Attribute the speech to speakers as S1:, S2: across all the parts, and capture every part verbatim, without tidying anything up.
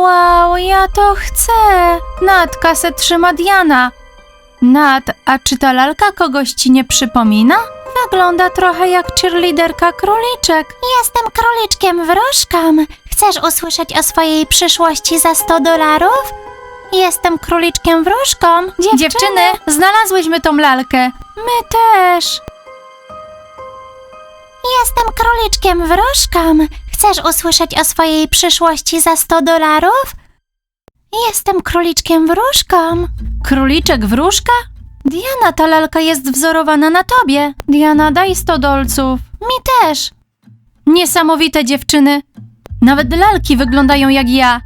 S1: Wow, ja to chcę. Nat, kasę trzyma Diana. Nat, a czy ta lalka kogoś ci nie przypomina? Wygląda trochę jak cheerleaderka króliczek. Jestem króliczkiem wróżką. Chcesz usłyszeć o swojej przyszłości za sto dolarów? Jestem króliczkiem wróżką. Dziewczyny, Dziewczyny, znalazłyśmy tą lalkę. My też. Jestem króliczkiem wróżką. Chcesz usłyszeć o swojej przyszłości za sto dolarów? Jestem króliczkiem wróżką. Króliczek wróżka? Diana, ta lalka jest wzorowana na tobie. Diana, daj sto dolców. Mi też. Niesamowite dziewczyny. Nawet lalki wyglądają jak ja.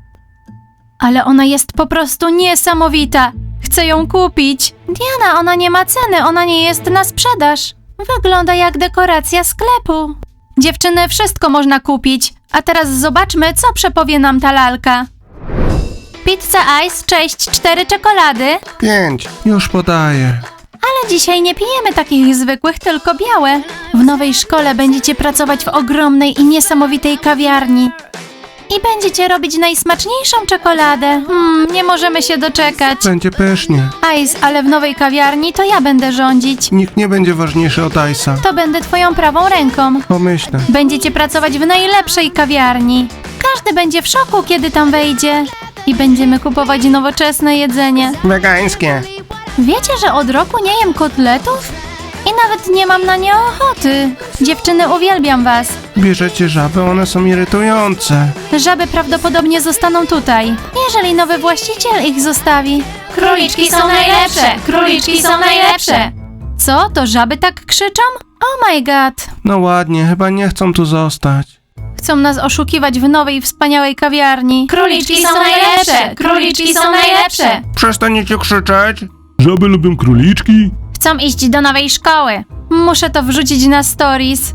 S1: Ale ona jest po prostu niesamowita. Chcę ją kupić. Diana, ona nie ma ceny, ona nie jest na sprzedaż. Wygląda jak dekoracja sklepu. Dziewczyny, wszystko można kupić. A teraz zobaczmy, co przepowie nam ta lalka. Pizza Ice, cześć, cztery czekolady.
S2: Pięć. Już podaję.
S1: Ale dzisiaj nie pijemy takich zwykłych, tylko białe. W nowej szkole będziecie pracować w ogromnej i niesamowitej kawiarni. I będziecie robić najsmaczniejszą czekoladę. Hmm, nie możemy się doczekać.
S2: Będzie pysznie.
S1: Ice, ale w nowej kawiarni to ja będę rządzić.
S2: Nikt nie będzie ważniejszy od Ice'a.
S1: To będę twoją prawą ręką.
S2: Pomyślę.
S1: Będziecie pracować w najlepszej kawiarni. Każdy będzie w szoku, kiedy tam wejdzie. I będziemy kupować nowoczesne jedzenie.
S2: Wegańskie.
S1: Wiecie, że od roku nie jem kotletów? I nawet nie mam na nie ochoty. Dziewczyny, uwielbiam was.
S2: Bierzecie żaby, one są irytujące.
S1: Żaby prawdopodobnie zostaną tutaj, jeżeli nowy właściciel ich zostawi. Króliczki są najlepsze! Króliczki są najlepsze! Co? To żaby tak krzyczą? Oh my god!
S2: No ładnie, chyba nie chcą tu zostać.
S1: Chcą nas oszukiwać w nowej, wspaniałej kawiarni. Króliczki są najlepsze! Króliczki są najlepsze!
S2: Przestaniecie krzyczeć?
S3: Żaby lubią króliczki?
S1: Chcą iść do nowej szkoły. Muszę to wrzucić na stories.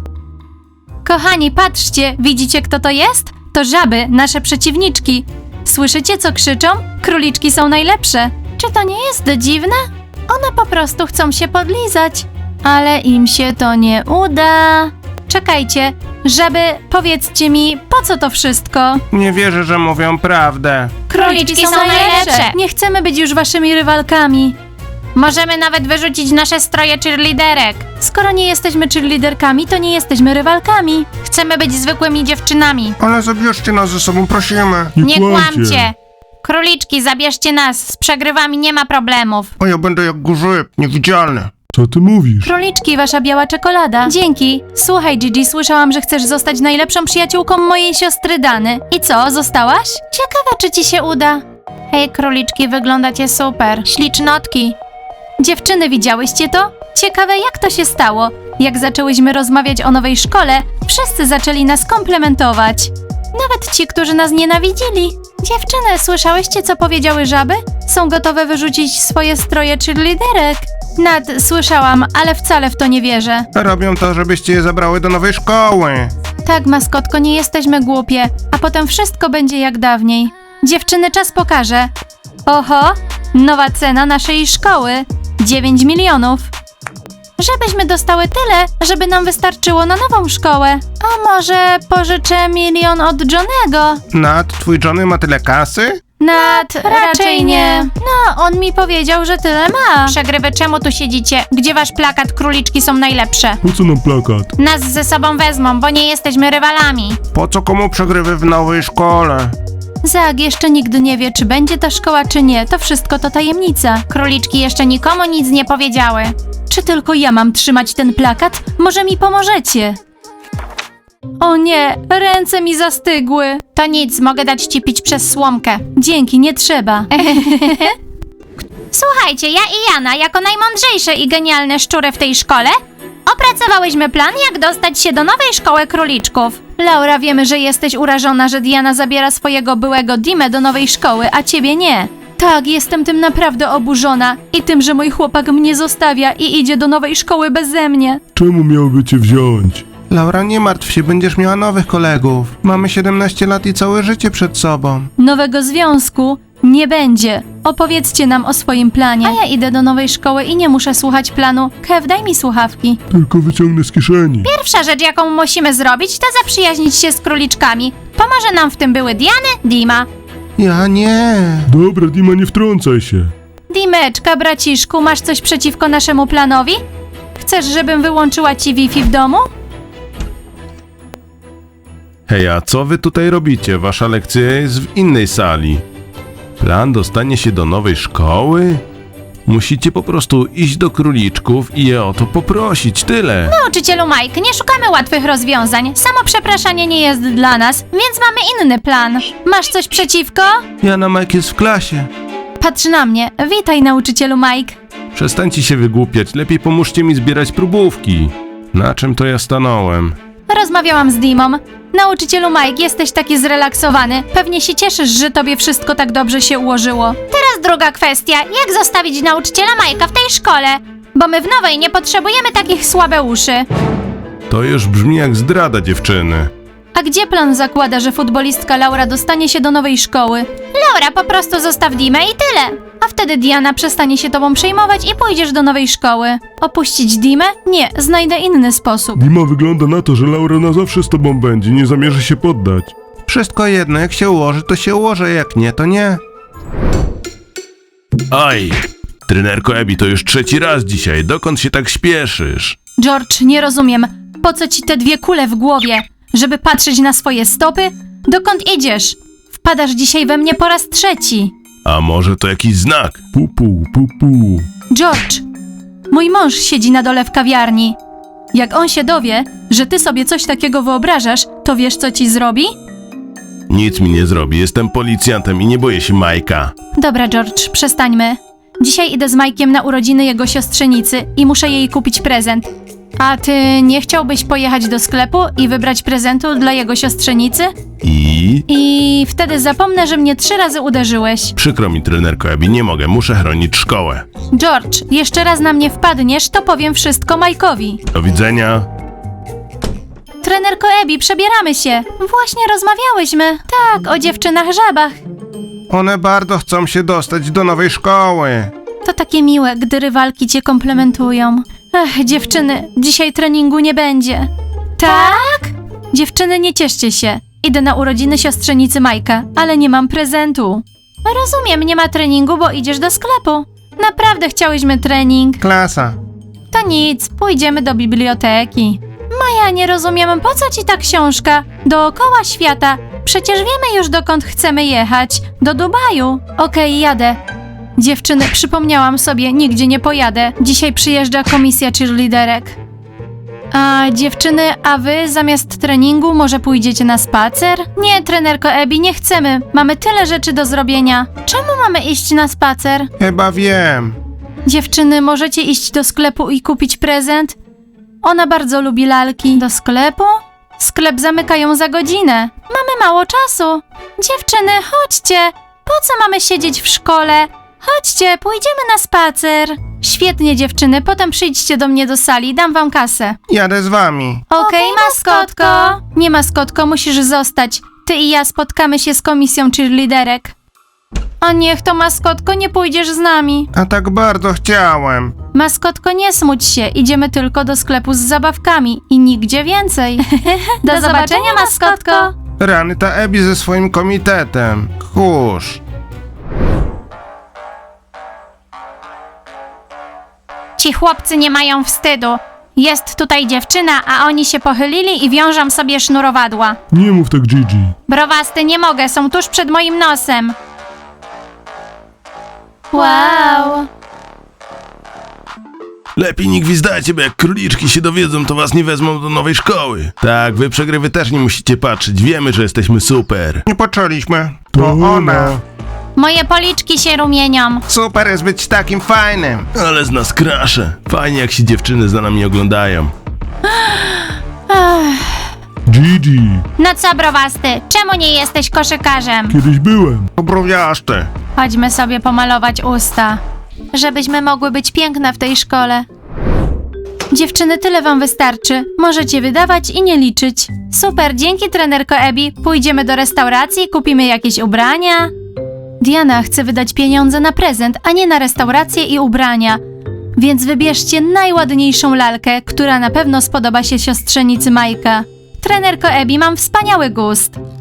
S1: Kochani, patrzcie, widzicie kto to jest? To żaby, nasze przeciwniczki. Słyszycie co krzyczą? Króliczki są najlepsze. Czy to nie jest dziwne? One po prostu chcą się podlizać. Ale im się to nie uda. Czekajcie, żaby, powiedzcie mi, po co to wszystko?
S2: Nie wierzę, że mówią prawdę.
S1: Króliczki są najlepsze. Nie chcemy być już waszymi rywalkami. Możemy nawet wyrzucić nasze stroje cheerleaderek. Skoro nie jesteśmy cheerleaderkami, to nie jesteśmy rywalkami. Chcemy być zwykłymi dziewczynami.
S2: Ale zabierzcie nas ze sobą, prosimy.
S1: Nie kłamcie. Króliczki, zabierzcie nas. Z przegrywami nie ma problemów.
S2: O, ja będę jak grzyb, niewidzialny.
S3: Co ty mówisz?
S1: Króliczki, wasza biała czekolada. Dzięki. Słuchaj, Gigi, słyszałam, że chcesz zostać najlepszą przyjaciółką mojej siostry Dany. I co, zostałaś? Ciekawe, czy ci się uda. Hej, króliczki, wyglądacie super. Ślicznotki. Dziewczyny, widziałyście to? Ciekawe, jak to się stało. Jak zaczęłyśmy rozmawiać o nowej szkole, wszyscy zaczęli nas komplementować. Nawet ci, którzy nas nienawidzili. Dziewczyny, słyszałyście, co powiedziały żaby? Są gotowe wyrzucić swoje stroje cheerleaderek. Nad, słyszałam, ale wcale w to nie wierzę.
S2: Robią to, żebyście je zabrały do nowej szkoły.
S1: Tak, maskotko, nie jesteśmy głupie, a potem wszystko będzie jak dawniej. Dziewczyny, czas pokaże. Oho, nowa cena naszej szkoły. dziewięć milionów. Żebyśmy dostały tyle, żeby nam wystarczyło na nową szkołę. A może pożyczę milion od Johnego?
S2: Nat, twój Johnny ma tyle kasy?
S1: Nad, raczej nie. No, on mi powiedział, że tyle ma. Przegrywy, czemu tu siedzicie? Gdzie wasz plakat króliczki są najlepsze?
S3: Po co nam plakat?
S1: Nas ze sobą wezmą, bo nie jesteśmy rywalami.
S2: Po co komu przegrywy w nowej szkole?
S1: Zag jeszcze nigdy nie wie, czy będzie ta szkoła, czy nie. To wszystko to tajemnica. Króliczki jeszcze nikomu nic nie powiedziały. Czy tylko ja mam trzymać ten plakat? Może mi pomożecie? O nie, ręce mi zastygły. To nic, mogę dać ci pić przez słomkę. Dzięki, nie trzeba. Słuchajcie, ja i Jana, jako najmądrzejsze i genialne szczury w tej szkole, opracowałyśmy plan, jak dostać się do nowej szkoły króliczków. Laura, wiemy, że jesteś urażona, że Diana zabiera swojego byłego Dimę do nowej szkoły, a ciebie nie. Tak, jestem tym naprawdę oburzona. I tym, że mój chłopak mnie zostawia i idzie do nowej szkoły beze mnie.
S3: Czemu miałby cię wziąć?
S2: Laura, nie martw się, będziesz miała nowych kolegów. Mamy siedemnaście lat i całe życie przed sobą.
S1: Nowego związku nie będzie. Opowiedzcie nam o swoim planie. A ja idę do nowej szkoły i nie muszę słuchać planu. Kev, daj mi słuchawki.
S3: Tylko wyciągnę z kieszeni.
S1: Pierwsza rzecz, jaką musimy zrobić, to zaprzyjaźnić się z króliczkami. Pomoże nam w tym były Diany, Dima.
S2: Ja nie.
S3: Dobra, Dima, nie wtrącaj się.
S1: Dimeczka, braciszku, masz coś przeciwko naszemu planowi? Chcesz, żebym wyłączyła ci Wi-Fi w domu?
S2: Hej, a co wy tutaj robicie? Wasza lekcja jest w innej sali. Plan dostanie się do nowej szkoły? Musicie po prostu iść do króliczków i je o to poprosić, tyle.
S1: Nauczycielu Mike, nie szukamy łatwych rozwiązań. Samo przepraszanie nie jest dla nas, więc mamy inny plan. Masz coś przeciwko?
S2: Jana Mike jest w klasie.
S1: Patrz na mnie. Witaj, nauczycielu Mike.
S2: Przestańcie się wygłupiać, lepiej pomóżcie mi zbierać próbówki. Na czym to ja stanąłem?
S1: Rozmawiałam z Dimą. Nauczycielu Mike, jesteś taki zrelaksowany. Pewnie się cieszysz, że tobie wszystko tak dobrze się ułożyło. Teraz druga kwestia. Jak zostawić nauczyciela Mike'a w tej szkole? Bo my w nowej nie potrzebujemy takich słabeuszy.
S2: To już brzmi jak zdrada dziewczyny.
S1: A gdzie plan zakłada, że futbolistka Laura dostanie się do nowej szkoły? Laura, po prostu zostaw Dimę i tyle. A wtedy Diana przestanie się tobą przejmować i pójdziesz do nowej szkoły. Opuścić Dimę? Nie, znajdę inny sposób.
S3: Dima, wygląda na to, że Laura na zawsze z tobą będzie, nie zamierza się poddać.
S2: Wszystko jedno, jak się ułoży, to się ułoży, jak nie, to nie. Oj, trenerko Ebi, to już trzeci raz dzisiaj, dokąd się tak śpieszysz?
S1: George, nie rozumiem. Po co ci te dwie kule w głowie? Żeby patrzeć na swoje stopy? Dokąd idziesz? Wpadasz dzisiaj we mnie po raz trzeci.
S2: A może to jakiś znak?
S3: Pupu, pupu.
S1: George, mój mąż siedzi na dole w kawiarni. Jak on się dowie, że ty sobie coś takiego wyobrażasz, to wiesz, co ci zrobi?
S2: Nic mi nie zrobi, jestem policjantem i nie boję się Majka.
S1: Dobra, George, przestańmy. Dzisiaj idę z Majkiem na urodziny jego siostrzenicy i muszę jej kupić prezent. A ty nie chciałbyś pojechać do sklepu i wybrać prezentu dla jego siostrzenicy?
S2: I?
S1: I wtedy zapomnę, że mnie trzy razy uderzyłeś.
S2: Przykro mi, trenerko Ebi, nie mogę, muszę chronić szkołę.
S1: George, jeszcze raz na mnie wpadniesz, to powiem wszystko Majkowi.
S2: Do widzenia.
S1: Trenerko Ebi, przebieramy się. Właśnie rozmawiałyśmy. Tak, o dziewczynach żabach.
S2: One bardzo chcą się dostać do nowej szkoły.
S1: To takie miłe, gdy rywalki cię komplementują. Ech, dziewczyny, dzisiaj treningu nie będzie. Tak? Dziewczyny, nie cieszcie się. Idę na urodziny siostrzenicy Majka, ale nie mam prezentu. Rozumiem, nie ma treningu, bo idziesz do sklepu. Naprawdę chciałyśmy trening.
S2: Klasa.
S1: To nic, pójdziemy do biblioteki. Maja, nie rozumiem, po co ci ta książka? Dookoła świata. Przecież wiemy już, dokąd chcemy jechać. Do Dubaju. Okej, jadę. Dziewczyny, przypomniałam sobie, nigdzie nie pojadę. Dzisiaj przyjeżdża komisja cheerleaderek. A dziewczyny, a wy zamiast treningu może pójdziecie na spacer? Nie, trenerko Ebi, nie chcemy. Mamy tyle rzeczy do zrobienia. Czemu mamy iść na spacer?
S2: Chyba wiem.
S1: Dziewczyny, możecie iść do sklepu i kupić prezent? Ona bardzo lubi lalki. Do sklepu? Sklep zamykają za godzinę. Mamy mało czasu. Dziewczyny, chodźcie. Po co mamy siedzieć w szkole? Chodźcie, pójdziemy na spacer. Świetnie, dziewczyny, potem przyjdźcie do mnie do sali, dam wam kasę.
S2: Jadę z wami.
S1: Okej, maskotko. Nie, maskotko, musisz zostać. Ty i ja spotkamy się z komisją cheerleaderek. A niech to, maskotko, nie pójdziesz z nami.
S2: A tak bardzo chciałem.
S1: Maskotko, nie smuć się, idziemy tylko do sklepu z zabawkami i nigdzie więcej. Do, do zobaczenia, maskotko.
S2: Rany, ta Ebi ze swoim komitetem. Kurz.
S1: Ci chłopcy nie mają wstydu. Jest tutaj dziewczyna, a oni się pochylili i wiążą sobie sznurowadła.
S3: Nie mów tak, Gigi.
S1: Browasty, nie mogę, są tuż przed moim nosem. Wow.
S2: Lepiej nie gwizdajcie, bo jak króliczki się dowiedzą, to was nie wezmą do nowej szkoły. Tak, wy przegrywy też nie musicie patrzeć, wiemy, że jesteśmy super. Nie poczęliśmy.
S3: To ona.
S1: Moje policzki się rumienią.
S2: Super jest być takim fajnym. Ale z nas krasze. Fajnie, jak się dziewczyny za nami oglądają.
S3: Gigi,
S1: No co, browasty, czemu nie jesteś koszykarzem?
S3: kiedyś byłem.
S2: Obrowiaszty.
S1: Chodźmy sobie pomalować usta, żebyśmy mogły być piękne w tej szkole. Dziewczyny, tyle wam wystarczy. Możecie wydawać i nie liczyć. Super, dzięki, trenerko Ebi. Pójdziemy do restauracji, kupimy jakieś ubrania. Diana chce wydać pieniądze na prezent, a nie na restaurację i ubrania. Więc wybierzcie najładniejszą lalkę, która na pewno spodoba się siostrzenicy Majka. Trenerko Ebi, mam wspaniały gust.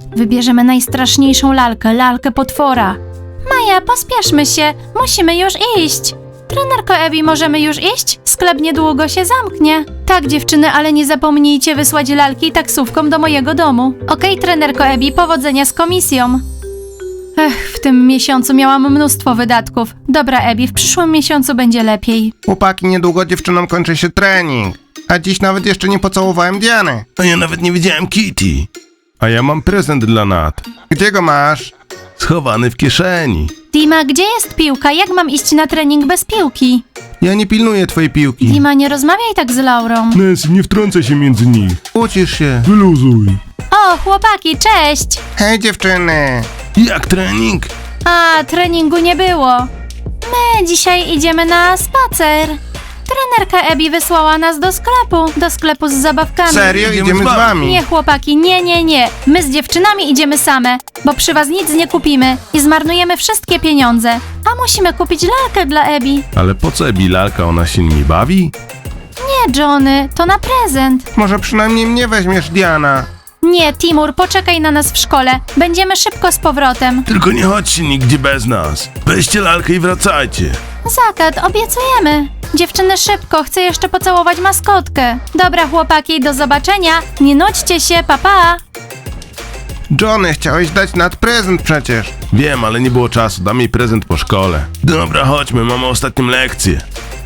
S1: Wybierzemy najstraszniejszą lalkę, lalkę potwora. Maja, pospieszmy się, musimy już iść. Trenerko Ebi, możemy już iść? Sklep niedługo się zamknie. Tak, dziewczyny, ale nie zapomnijcie wysłać lalki taksówką do mojego domu. Okej, trenerko Ebi, powodzenia z komisją. Ech, w tym miesiącu miałam mnóstwo wydatków. Dobra, Ebi, w przyszłym miesiącu będzie lepiej.
S4: Chłopaki, niedługo dziewczynom kończy się trening. A dziś nawet jeszcze nie pocałowałem Diany.
S2: A ja nawet nie widziałem Kitty. A ja mam prezent dla Nat.
S4: Gdzie go masz?
S2: Schowany w kieszeni.
S1: Dima, gdzie jest piłka? Jak mam iść na trening bez piłki?
S2: Ja nie pilnuję twojej piłki.
S1: Dima, nie rozmawiaj tak z Laurą.
S3: Nancy, nie wtrącaj się między nich.
S2: Ucisz się.
S3: Wyluzuj.
S1: O, chłopaki, cześć!
S4: Hej dziewczyny!
S2: Jak trening?
S1: A, treningu nie było. My dzisiaj idziemy na spacer. Trenerka Ebi wysłała nas do sklepu, do sklepu z zabawkami.
S4: Serio?
S2: Idziemy
S4: Idziemy
S2: z
S4: z
S2: wami.
S4: wami.
S1: Nie, chłopaki, nie, nie, nie. My z dziewczynami idziemy same, bo przy was nic nie kupimy i zmarnujemy wszystkie pieniądze. A musimy kupić lalkę dla Ebi.
S2: Ale po co Ebi lalka, ona się nimi bawi?
S1: Nie, Johnny, to na prezent.
S4: Może przynajmniej mnie weźmiesz, Diana.
S1: Nie, Timur, poczekaj na nas w szkole. Będziemy szybko z powrotem.
S2: Tylko nie chodźcie nigdzie bez nas. Weźcie lalkę i wracajcie.
S1: Zakat, obiecujemy. Dziewczyny, szybko, chcę jeszcze pocałować maskotkę. Dobra, chłopaki, do zobaczenia. Nie nudźcie się, papa. Pa.
S4: Johnny, chciałeś dać Nat prezent przecież.
S2: Wiem, ale nie było czasu, dam jej prezent po szkole. Dobra, chodźmy, mamy ostatnią lekcję.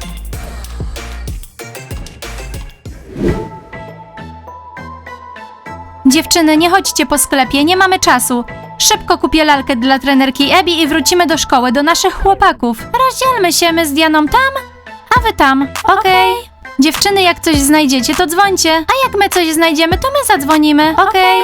S1: Dziewczyny, nie chodźcie po sklepie, nie mamy czasu. Szybko kupię lalkę dla trenerki Ebi i wrócimy do szkoły, do naszych chłopaków. Rozdzielmy się, my z Dianą tam, a wy tam, okej? Dziewczyny, jak coś znajdziecie, to dzwońcie. A jak my coś znajdziemy, to my zadzwonimy, okej?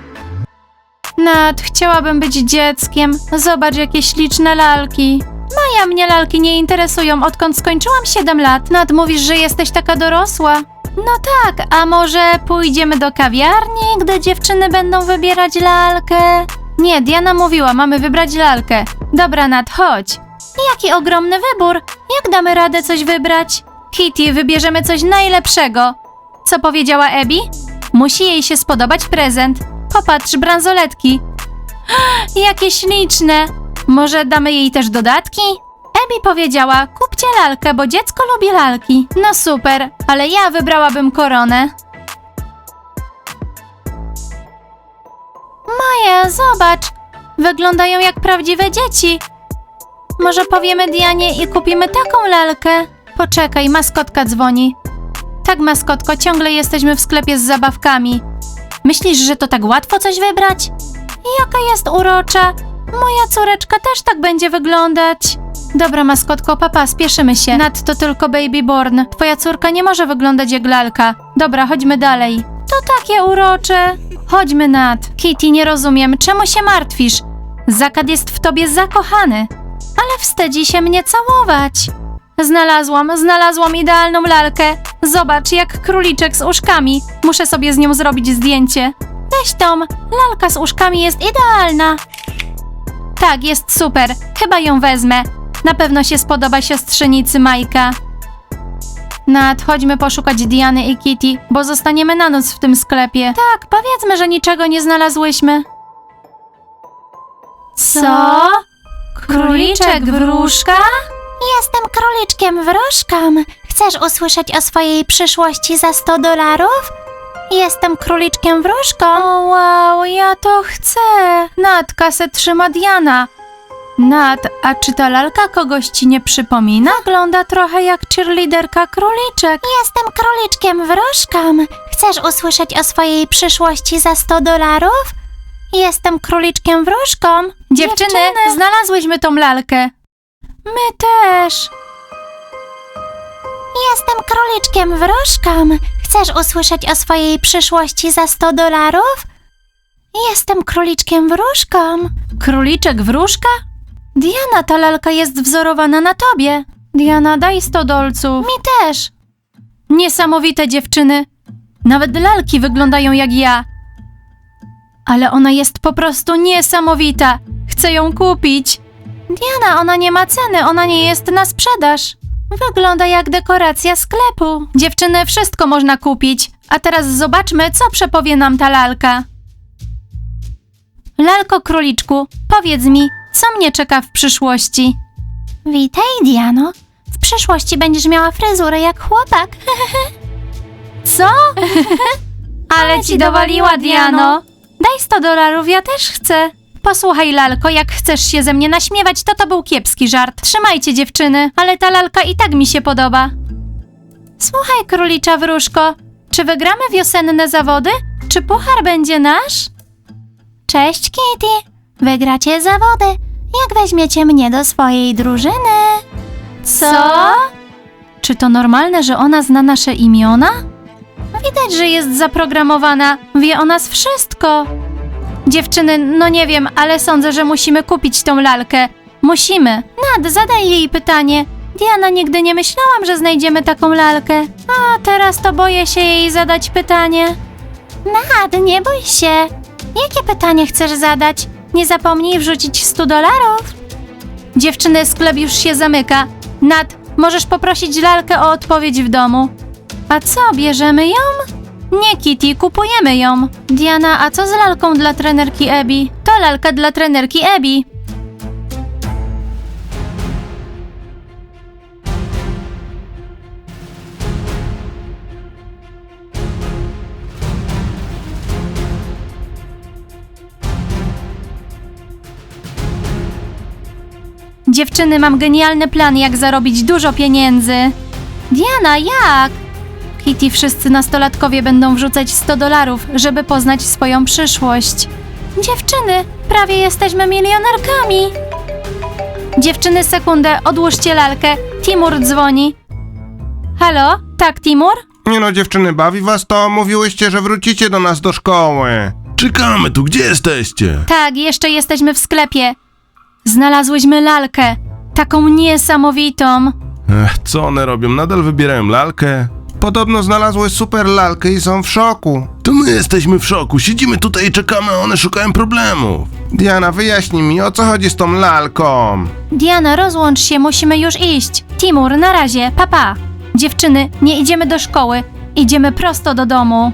S1: Nat, chciałabym być dzieckiem. Zobacz, jakie śliczne lalki. Maja, mnie lalki nie interesują, odkąd skończyłam siedem lat. Nat, mówisz, że jesteś taka dorosła. No tak, a może pójdziemy do kawiarni, gdy dziewczyny będą wybierać lalkę? Nie, Diana mówiła, mamy wybrać lalkę. Dobra, Nat, chodź. Jaki ogromny wybór. Jak damy radę coś wybrać? Kitty, wybierzemy coś najlepszego. Co powiedziała Ebi? Musi jej się spodobać prezent. Popatrz, bransoletki. Jakie śliczne. Może damy jej też dodatki? Ebi powiedziała, kupcie lalkę, bo dziecko lubi lalki. No super, ale ja wybrałabym koronę. Maja, zobacz. Wyglądają jak prawdziwe dzieci. Może powiemy Dianie i kupimy taką lalkę? Poczekaj, maskotka dzwoni. Tak, maskotko, ciągle jesteśmy w sklepie z zabawkami. Myślisz, że to tak łatwo coś wybrać? Jaka jest urocza. Moja córeczka też tak będzie wyglądać. Dobra, maskotko, papa, spieszymy się. Nat, to tylko baby born. Twoja córka nie może wyglądać jak lalka. Dobra, chodźmy dalej. To takie urocze. Chodźmy, Nat. Kitty, nie rozumiem, czemu się martwisz? Zakat jest w tobie zakochany. Ale wstydzi się mnie całować. Znalazłam, znalazłam idealną lalkę. Zobacz, jak króliczek z uszkami. Muszę sobie z nią zrobić zdjęcie. Weź Tom, lalka z uszkami jest idealna. Tak, jest super. Chyba ją wezmę. Na pewno się spodoba siostrzenicy Majka. Nat, chodźmy poszukać Diany i Kitty, bo zostaniemy na noc w tym sklepie. Tak, powiedzmy, że niczego nie znalazłyśmy. Co? Króliczek wróżka? Jestem króliczkiem wróżką. Chcesz usłyszeć o swojej przyszłości za sto dolarów? Jestem króliczkiem wróżką. O wow, ja to chcę. Nat, kasę trzyma Diana. Nat, a czy ta lalka kogoś ci nie przypomina? Wygląda trochę jak cheerleaderka króliczek. Jestem króliczkiem wróżką. Chcesz usłyszeć o swojej przyszłości za sto dolarów? Jestem króliczkiem wróżką. Dziewczyny, Dziewczyny, znalazłyśmy tą lalkę. My też. Jestem króliczkiem wróżką. Chcesz usłyszeć o swojej przyszłości za sto dolarów? Jestem króliczkiem wróżką. Króliczek wróżka? Diana, ta lalka jest wzorowana na tobie. Diana, daj sto dolców. Mi też. Niesamowite, dziewczyny. Nawet lalki wyglądają jak ja. Ale ona jest po prostu niesamowita. Chcę ją kupić. Diana, ona nie ma ceny, ona nie jest na sprzedaż. Wygląda jak dekoracja sklepu. Dziewczyny, wszystko można kupić. A teraz zobaczmy, co przepowie nam ta lalka. Lalko króliczku, powiedz mi, co mnie czeka w przyszłości? Witaj, Diano. W przyszłości będziesz miała fryzurę jak chłopak. Co? Ale ci dowaliła, Diano. Daj sto dolarów, ja też chcę. Posłuchaj, lalko, jak chcesz się ze mnie naśmiewać, to to był kiepski żart. Trzymajcie, dziewczyny, ale ta lalka i tak mi się podoba. Słuchaj, królicza wróżko, czy wygramy wiosenne zawody? Czy puchar będzie nasz? Cześć, Kitty. Wygracie zawody, jak weźmiecie mnie do swojej drużyny. Co? Czy to normalne, że ona zna nasze imiona? Widać, że jest zaprogramowana. Wie o nas wszystko. Dziewczyny, no nie wiem, ale sądzę, że musimy kupić tą lalkę. Musimy. Nad, zadaj jej pytanie. Diana, nigdy nie myślałam, że znajdziemy taką lalkę. A teraz to boję się jej zadać pytanie. Nad, nie bój się. Jakie pytanie chcesz zadać? Nie zapomnij wrzucić sto dolarów. Dziewczyny, sklep już się zamyka. Nad, możesz poprosić lalkę o odpowiedź w domu. A co, bierzemy ją? Nie, Kitty, kupujemy ją. Diana, a co z lalką dla trenerki Abby? To lalka dla trenerki Abby. Dziewczyny, mam genialny plan, jak zarobić dużo pieniędzy. Diana, jak? Kitty, wszyscy nastolatkowie będą wrzucać sto dolarów, żeby poznać swoją przyszłość. Dziewczyny, prawie jesteśmy milionerkami. Dziewczyny, sekundę, odłóżcie lalkę. Timur dzwoni. Halo? Tak, Timur?
S4: Nie no, dziewczyny, bawi was to? Mówiłyście, że wrócicie do nas do szkoły.
S2: Czekamy tu, gdzie jesteście?
S1: Tak, jeszcze jesteśmy w sklepie. Znalazłyśmy lalkę. Taką niesamowitą.
S2: Ech, co one robią? Nadal wybierają lalkę?
S4: Podobno znalazły super lalkę i są w szoku.
S2: To my jesteśmy w szoku, siedzimy tutaj i czekamy, a one szukają problemów.
S4: Diana, wyjaśnij mi, o co chodzi z tą lalką.
S1: Diana, rozłącz się, musimy już iść. Timur, na razie, papa. Pa. Dziewczyny, nie idziemy do szkoły, idziemy prosto do domu.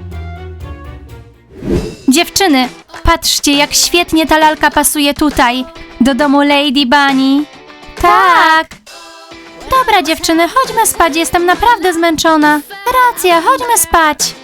S1: Dziewczyny, patrzcie, jak świetnie ta lalka pasuje tutaj, do domu Lady Bunny. Tak. Dobra, dziewczyny, chodźmy spać, jestem naprawdę zmęczona. Racja, chodźmy spać.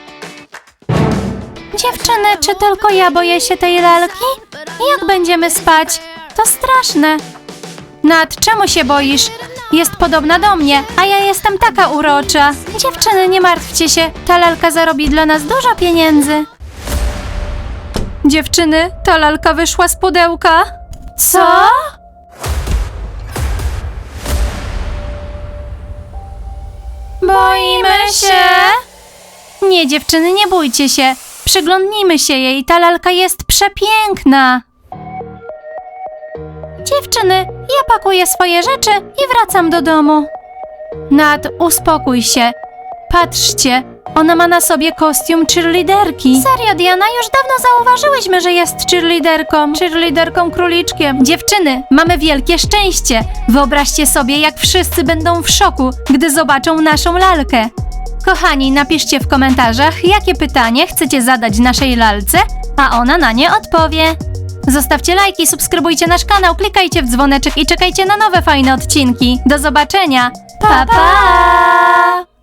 S1: Dziewczyny, czy tylko ja boję się tej lalki? Jak będziemy spać? To straszne. Nad, czemu się boisz? Jest podobna do mnie, a ja jestem taka urocza. Dziewczyny, nie martwcie się, ta lalka zarobi dla nas dużo pieniędzy. Dziewczyny, ta lalka wyszła z pudełka. Co? Boimy się? Nie, dziewczyny, nie bójcie się. Przyglądnijmy się jej, ta lalka jest przepiękna. Dziewczyny, ja pakuję swoje rzeczy i wracam do domu. Nad, uspokój się. Patrzcie, ona ma na sobie kostium cheerleaderki. Serio, Diana, już dawno zauważyłyśmy, że jest cheerleaderką. Cheerleaderką króliczkiem. Dziewczyny, mamy wielkie szczęście. Wyobraźcie sobie, jak wszyscy będą w szoku, gdy zobaczą naszą lalkę. Kochani, napiszcie w komentarzach, jakie pytanie chcecie zadać naszej lalce, a ona na nie odpowie. Zostawcie lajki, subskrybujcie nasz kanał, klikajcie w dzwoneczek i czekajcie na nowe fajne odcinki. Do zobaczenia. Pa, pa!